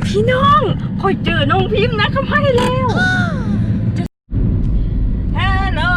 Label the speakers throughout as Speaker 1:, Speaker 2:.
Speaker 1: พี่น้องคอยเจอน้องพิมพ์นะเขาให้แล้วฮัลโหล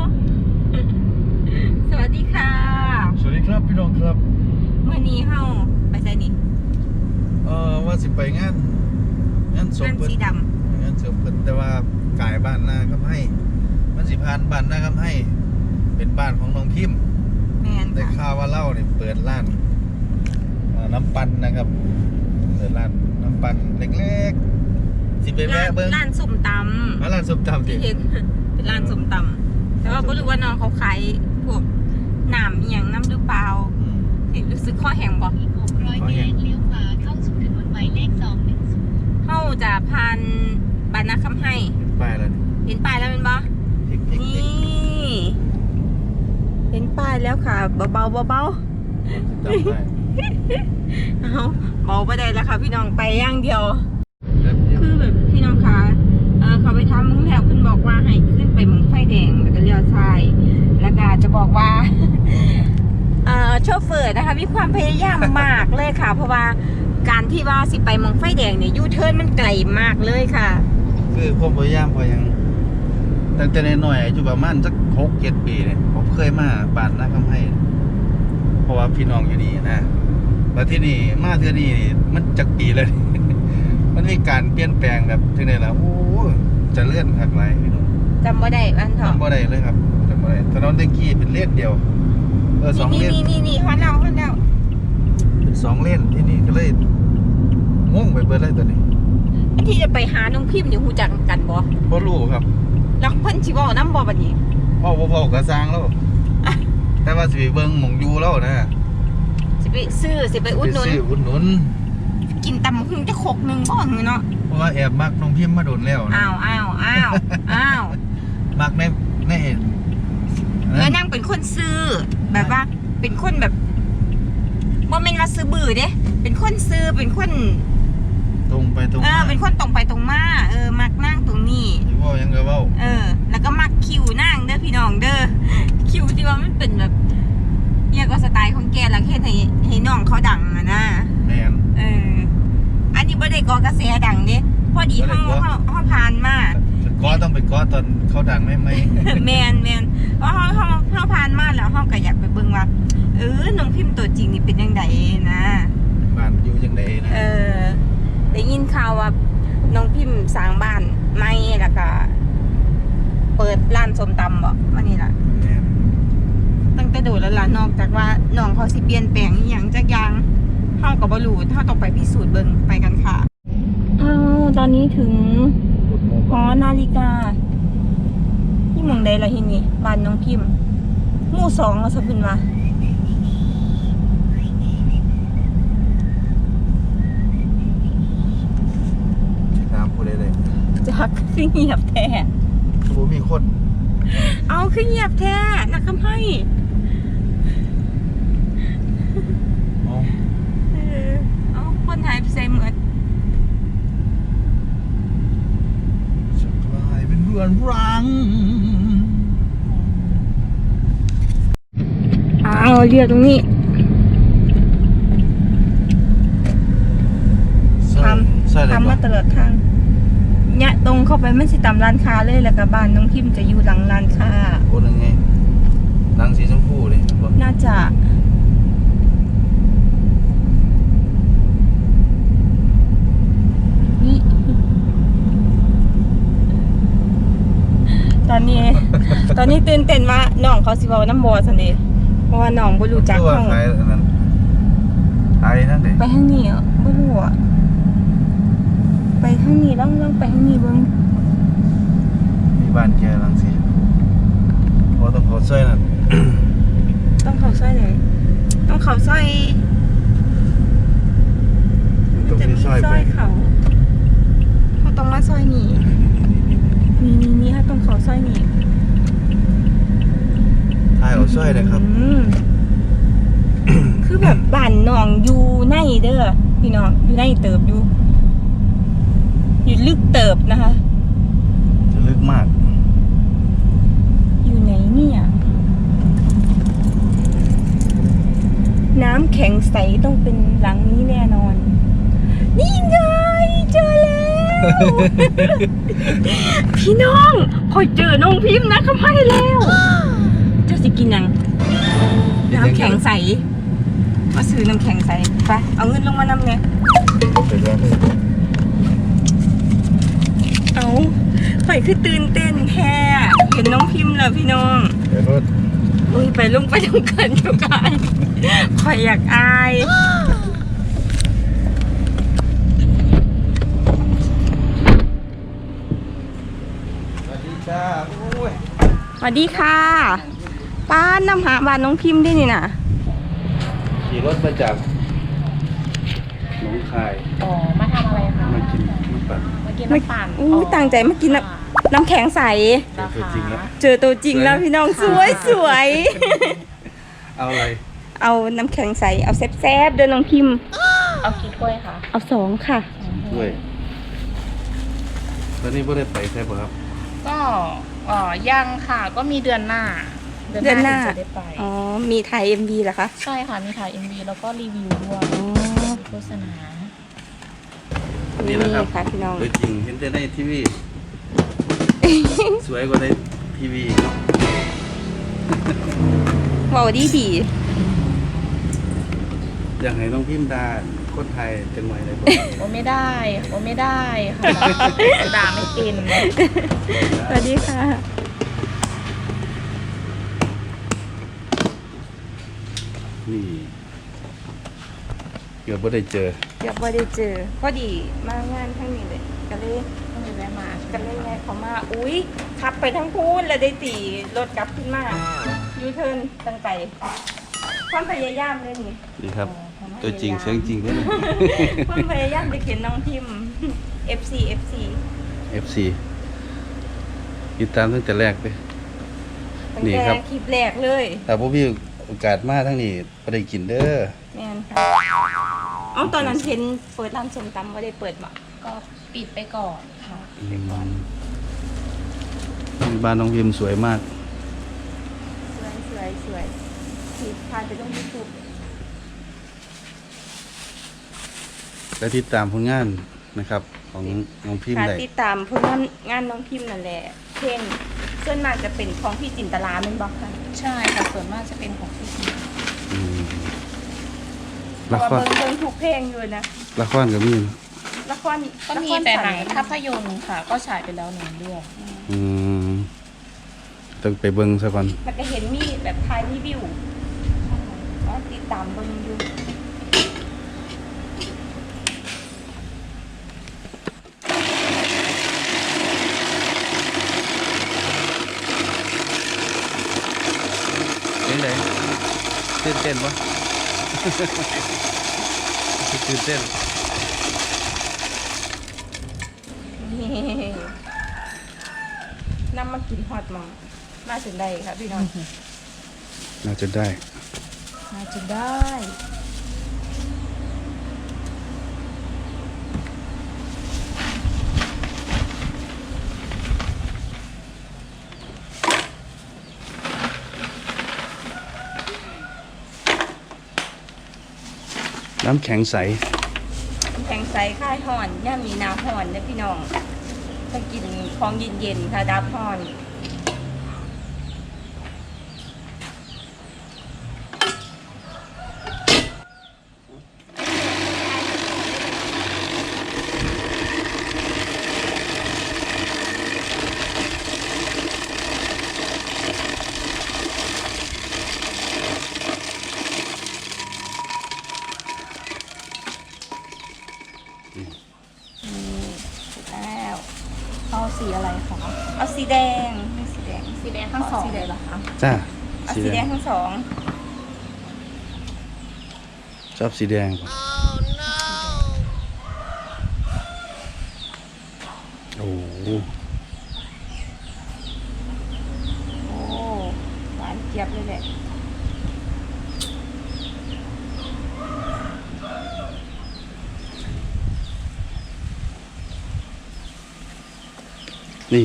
Speaker 1: สวัสดีค่ะ
Speaker 2: สวัสดีครับพี่น้องครับ
Speaker 1: เมื่อนี้เฮาไปไสนี่
Speaker 2: ว่าสิไปงานศพเพิ่น
Speaker 1: สีดำ
Speaker 2: งานศพเพิ่นแต่ว่ากายบ้านนาคำให้มันสิผ่านบ้านนาคำให้เป็นบ้านของน้องพิมพ์
Speaker 1: แม่น
Speaker 2: ได้ข่าวว่าเล่าเนี่ยเปิดร้านน้ำปั่นนะครับเปิดร้านน้ำปั่นเล็กๆสิไปแวะเบิ่ง
Speaker 1: ร้านส้มตำ
Speaker 2: ร้านส้มตำ
Speaker 1: ที่เห็นเป็นร้านส้มตำแต่ว่าบ่รู้ว่าน้องเขาขายพวกน้ำอีหยังน้ำหรือเปล่ารู้สึกข้อแห้งบ่
Speaker 3: 600 เมตรเลี้ยวขวาเข้าสู่ถนนหมายเลข210
Speaker 1: เฮาจะผ่านบ้านนาคำให้
Speaker 2: ป้ายแล้ว
Speaker 1: เห็นป้ายแล้วเป็นบ่นี่เห็นป้ายแล้วค่ะเบาๆเบา
Speaker 2: ๆ
Speaker 1: เอาเบาไปได้แล้วค่ะพี่น้องไปอย่างเดียวคือแบบพี่น้องคะเขาไปทำมุ่งแล้วเพิ่นบอกว่าให้ขึ้นไปมุ่งไฟแดงแล้วก็เลี้ยวซ้ายแล้วก็จะบอกว่าโชเฟอร์นะคะมีความพยายามมากเลยค่ะเพราะว่าการที่ว่าสิไปมุ่งไฟแดงเนี่ยยูเทิร์นมันไกลมากเลยค่ะ
Speaker 2: คือความพยายามพอยังตั้งแต่ในหน่อยอายุประมาณสัก6-7 ปีเนี่ยผมเคยมาบ้านนาคำให้เพราะว่าพี่น้องอยู่นี่นะแล้วที่นี่มาเทื่อนี้มันจักปีเลย มันมีการเปลี่ยนแปลงแบบที่ไหนแล้วโอ้จะเลื่อนหักไหลพี่น้อง
Speaker 1: จำบ่ได้บ้านเถอะ
Speaker 2: จำบ่ได้เลยครับจำบ่ได้ถนนเด็กกี้เป็นเลนเดียว2 เลน
Speaker 1: นี่ฮอนแล้ว
Speaker 2: เป็น2 เลนที่นี่ก็เลยงงไปเบิดเลยตอนนี้
Speaker 1: ที่จะไปหาน้องพิมพ์นี่ฮู้จักกันบ่
Speaker 2: รู้ครับ
Speaker 1: แล้วเพิ่นสิเว้านำบ่บัดนี้
Speaker 2: พ่อก็สร้างแล้วแต่ว่าสิไปเบิ่งหม่องอยู่แล้วนะ
Speaker 1: สิไปอุดหนุนกินตำหุ่งจะขกนึงบ่หือเนาะ
Speaker 2: เพราะว่าแอบมักน้องพิมพ์มาโดนแล้วนะ
Speaker 1: อ้าว
Speaker 2: มักใน
Speaker 1: นั่งเป็นคนซื้อแบบว่าเป็นคนแบบบ่แม่นว่าซื้อบื้อเด้เป็นคนซื้อเป็นคน
Speaker 2: ตรงไปตรงมา
Speaker 1: เป็นคนตรงไปตรงมามักนั่งตรงนี้
Speaker 2: อยู่ว่ายังก็เว้า
Speaker 1: แล้วก็มักคิวนั่งเด้อพี่น้องเด้อคิวที่ว่ามันเป็นแบบเนี่ยก็สไตล์ของแกแล้วเฮ็ดให้น้องเขาดังอ่ะนะ
Speaker 2: แม่น
Speaker 1: อันนี้บ่ได้ก่อกระแสดังเด้พอดีเฮาผ่านมา
Speaker 2: ก็ต้องไปก็ตอนเขาดังไหม
Speaker 1: แม่นเพราะเฮาผ่านมาแล้วเฮาก็อยากไปเบิ่งว่าน้องพิมพ์ตัวจริงนี่เป็นจังไดนะ
Speaker 2: บ้านอยู่จังไดนะ
Speaker 1: ได้ยินข่าวว่าน้องพิมพ์สร้างบ้านใหม่แล้วก็เปิดร้านส้มตำบ่ว่านี่ล่ะตั้งแต่โดดแล้วล่ะนอกจากว่าน้องเขาสิเปลี่ยนแปลงอีหยังจักอย่างเฮาก็บ่รู้เฮาต้องไปพิสูจน์เบิ่งไปกันค่ะตอนนี้ถึงหอนาฬิกาที่เมืองใดล่ะที่นี่บ้านน้องพิมพ์หมู่2แล้วซะเพิ่นว่า
Speaker 2: ถามผู้ใดเลย
Speaker 1: จักคือเงียบแท้
Speaker 2: บ่มีคน
Speaker 1: เอาคือเงียบแท้นักคำให้เอาคนหายไปใส่เหมือน
Speaker 2: จะกลายเป็นเรือนรัง
Speaker 1: เรียกตรงนี้ทำมาตลอดทางเนี่ยตรงเข้าไปมันสิตามร้านค้าเลยแล้วก็บ้านน้องพิมจะอยู่หลังร้านค้า
Speaker 2: โอ้ยังไงหลังสีชมพูเลย
Speaker 1: น่าจะนี่ตอนนี้ตื่นเต้นว่าน้องเขาสิเว้าน้ำบ่ซั่นเด้เพราะว่าน้องบ่รู้จักห้องไปทางนี้อ่ะบ่รู้อ่ะไปทางนี้ลองไปทางนี้เบิ่ง
Speaker 2: มีบ้านแกหลังสิพอต้องเข้าซอยนั่น
Speaker 1: ต้องเข้าซอยไหนต้องเข้าซอยจะมีซอยเขาต้องมาซอยนี้นี่ฮะต้องเข้าซอยนี้
Speaker 2: ถ่ายเอาซอยเลยครับ
Speaker 1: คือแบบบ้านน้องอยู่ในเด้อพี่น้องอยู่ในเติบอยู่ลึกเติบนะคะ
Speaker 2: จะลึกมาก
Speaker 1: อยู่ไหนเนี่ยน้ำแข็งใสต้องเป็นหลังนี้แน่นอนนี่ไงพี่น้องคอยเจอน้องพิมพ์นะเขาให้แล้วเจ้าสิกินยังน้ำแข็งใสมาซื้อน้ำแข็งใสไปเอาเงินลงมานำไงเอาข่อยคือตื่นเต้นแท้เห็นน้องพิมพ์แล้วพี่น้อง
Speaker 2: เดี๋ยวรถ
Speaker 1: อุ้ยไปลงไปลงกันอยู่กันข่อยอยากอาย
Speaker 2: สวัสดีจ้าโอ้ย
Speaker 1: สวัสดีค่ะป้านำหาบ้านน้องพิมพ์ได้นี่น่ะ
Speaker 2: ขี่รถมาจากหนองคาย
Speaker 4: อ๋อ มาทำอะไรคะ
Speaker 2: มากินน้ำปั่น
Speaker 4: มากินน้ำปั่น
Speaker 1: อู้ตั้งใจมากินน้ำแข็งใส
Speaker 2: เจอตัวจริงแล้ว
Speaker 1: เจอตัวจริงแล้วพี่น้องสวยสวย
Speaker 2: เอาอะไร
Speaker 1: เอาน้ำแข็งใสเอาแซ่บๆเดินน้องพิมพ์
Speaker 4: เอากี่ถ้วยคะ
Speaker 1: เอา2ค่ะ
Speaker 2: ด้วยตอนนี้พ่ได้ไปใช่ป่ะครับ
Speaker 4: ก็ยังค่ะ ก็มีเดือนหน้า
Speaker 1: เดือนหน้า
Speaker 4: ถึงจะได้ไป
Speaker 1: อ๋อมีถ่าย MV เหรอคะ
Speaker 4: ใช่ค่ะ มีถ่าย MV แล้วก็รีวิวด้วย
Speaker 1: อ๋อ
Speaker 4: โฆษณา
Speaker 2: นี่นะครับ
Speaker 1: ค่ะพี่น้อง
Speaker 2: ตัวจริงเห็นแต่ในทีวี สวยกว่าในทีวีเนาะ
Speaker 1: ว้าวดีดี
Speaker 2: อยากให้น้องพิมพ์ดาคนไทยจังหวัดอะไรบ้าง
Speaker 4: โอไม่ได้โอไม่ได้ค่ะด่าไม่เป็น
Speaker 1: สวัสดีค่ะ
Speaker 2: นี่เกือบไม่ได้เจอ
Speaker 1: เดี๋ยวพอได้เจอพอดีมางานทั้งนี้เลยก็เลย
Speaker 4: ต้องมีแวะมา
Speaker 1: กันเลยไงเขามาอุ้ยขับไปทั้งพูนแล้วได้ตีรถกลับขึ้นมายูเทิร์นตั้งใจความพยายามเลยนี่
Speaker 2: ดีครับ ตัวจริงเสียงจริงด้วยนะ
Speaker 1: ความพยายามจะเขียนน้องพิมพ์ FC
Speaker 2: FC ติดตามตั้งแต่แรกเลย
Speaker 1: ตั้ง
Speaker 2: นี่
Speaker 1: แต่
Speaker 2: ครับ
Speaker 1: คลิปแรกเลย
Speaker 2: แต่พวกพี่โอกาสมาทั้งนี้ไม่ได้กินเด้อ
Speaker 1: แม่นค่ะเอาตอนนั้นเห็นเปิดร้านส้มตำว่าได้เปิดบ่
Speaker 4: ก็ปิดไปก่อนค่ะ
Speaker 2: บ้านน้องพิมพ์สวยมาก
Speaker 1: สวยที่พาไปลง YouTube
Speaker 2: และติดตามผลงานนะครับ ของน้องพิมพ์
Speaker 1: ค่ะ
Speaker 2: ได้
Speaker 1: ติดตามผลงานน้องพิมพ์นั่นแหละเพลงส่วนมากจะเป็นของพี่จินตลาแม่นบ่คะ
Speaker 4: ใช่ค่ะ ส่วนมากจะเป็นของพี่
Speaker 2: อืม
Speaker 1: เพ
Speaker 2: ละ
Speaker 1: ราะ
Speaker 2: ค
Speaker 1: ว่าร เบิ่งทุกเพลงอยู่นะ
Speaker 2: ละครก็มีนะ
Speaker 1: ละคร
Speaker 4: ก็มี
Speaker 1: ละคร
Speaker 4: แต่หนัง
Speaker 1: สั้
Speaker 4: ภาพยนตร์ค่ะ ก็ฉายไปแล้ว1 เรื่อง
Speaker 2: อืมต้องไปเบิ่งซะก่อน
Speaker 1: มันก็เห็นมีแบบถ่ายรีวิวก็ติดตามเบิ่งอยู่
Speaker 2: เป็นไงตื่นเต้นปะ ตื่นเต้น
Speaker 1: นี่นำมากินฮอตมองมาถึงได้ค่ะพี่น้อง
Speaker 2: น่าจะได้
Speaker 1: มาถึงได้
Speaker 2: น้ำแข็งใส
Speaker 1: แข็งใสค่ายห่อนย่ามีน้ำห่อนนะพี่น้องถ้ากินของเย็นๆค่ะดับห่อน แล้ว
Speaker 4: เอาสีอะไรคะ
Speaker 1: เอาสีแดงสีแดง
Speaker 4: สีแดงทั้งสอง
Speaker 1: สีแดง
Speaker 4: เลยเหรอคะ
Speaker 2: จ้า
Speaker 1: เอาสีแดงทั้งสอง
Speaker 2: ชอบสีแดงปะโอ้โห
Speaker 1: โอ้หวานเจี๊ยบเลยแหละ
Speaker 2: นี่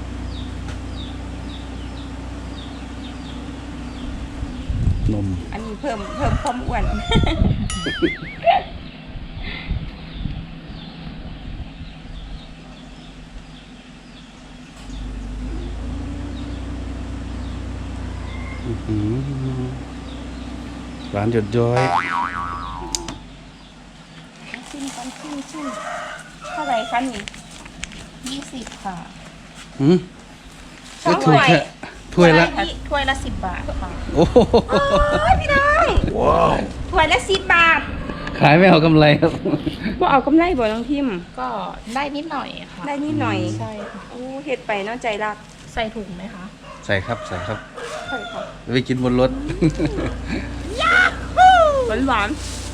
Speaker 2: นม
Speaker 1: อันนี้เพิ่มความอ้วน
Speaker 2: ร้านหยดย้อย
Speaker 1: ชิมกันชิมเท่าไหร่คะนี่
Speaker 4: 20 ค่ะ
Speaker 2: หืม
Speaker 1: สอง
Speaker 2: ถูกแค่ถ้วยละ
Speaker 4: ถ้วยละ 10 บาทค่ะ
Speaker 2: โอ้โห
Speaker 1: โอ้ยพี่น้องถ้วยละ10 บาท
Speaker 2: ขายไม่เอากำไรครับ
Speaker 1: บ่เอากำไรบ่น้องพิมพ์
Speaker 4: ก็ได้นิดหน่อยค่ะ
Speaker 1: ได้นิดหน่อย
Speaker 4: ใช่ค่ะ
Speaker 1: โอ้เฮ็ดไปเนาะใจรัก
Speaker 4: ใส่ถุงไหมคะ
Speaker 2: ใส่ครับใส่ครับ
Speaker 1: ใช่ค่ะ
Speaker 2: ไปกินบนรถ
Speaker 1: หวาน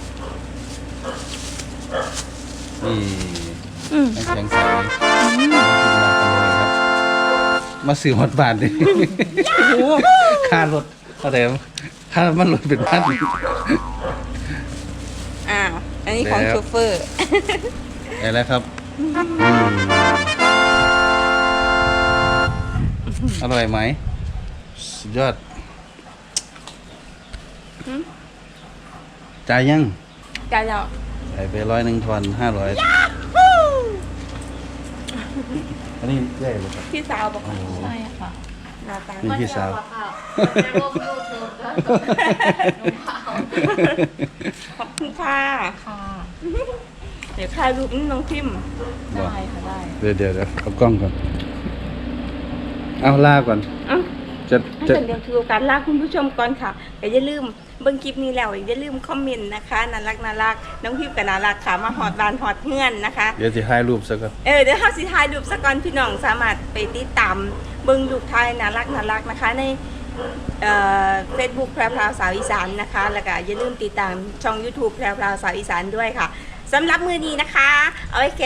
Speaker 2: นี่
Speaker 1: ๆอืม
Speaker 2: น้ำแข็งใสมาซื้อฮอตบาทดิ
Speaker 1: โอ้โห
Speaker 2: ค่ารถเท่าไหร่ค่ามันรถเป็นพัน
Speaker 1: อ้าวอันนี้ของ
Speaker 2: แล้ว
Speaker 1: โชเฟอร์
Speaker 2: ได้แล้วครับอร่อยไหมสุดยอดจ่ายยัง
Speaker 1: จ่ายแล้ว
Speaker 2: ใส่ไป100ทอน500อันนี้ใหญ่เลยครับ
Speaker 1: พี่สาวบอก
Speaker 2: โอ้โห
Speaker 4: ใช่ค่ะ
Speaker 1: หน้าตา
Speaker 2: นี่พี่สาว
Speaker 1: ขอบคุณค่ะ
Speaker 4: ค่ะ
Speaker 1: เดี๋ยวถ่ายรูปน้องพิมพ์
Speaker 4: ได้ค่ะได้
Speaker 2: เดี๋ยวเอากล้องก่อน เอาลาก่อน
Speaker 1: อ่ะ
Speaker 2: จะ
Speaker 1: ถ้า
Speaker 2: จะ
Speaker 1: เกิดเดี๋ยวถือโอกาสลาคุณผู้ชมก่อนค่ะอย่าลืมเบิ่งคลิปนี้แล้วอย่าลืมคอมเมนต์นะคะน่ารักน้องพิมพ์กับน่ารักค่ะมาฮอดบ้านฮอดเฮือนนะคะ
Speaker 2: เดี๋ยวจะถ่ายรูปสักก่อน
Speaker 1: เดี๋ยวเฮาสิถ่ายรูปสักก่อนพี่น้องสามารถไปติดตามเบิ่งรูปถ่ายน่ารักนะคะในFacebook แพรวสาวอีสานนะคะแล้วก็อย่าลืมติดตามช่อง YouTube แพรวสาวอีสานด้วยค่ะสำหรับมื้อนี้นะคะเอาไว้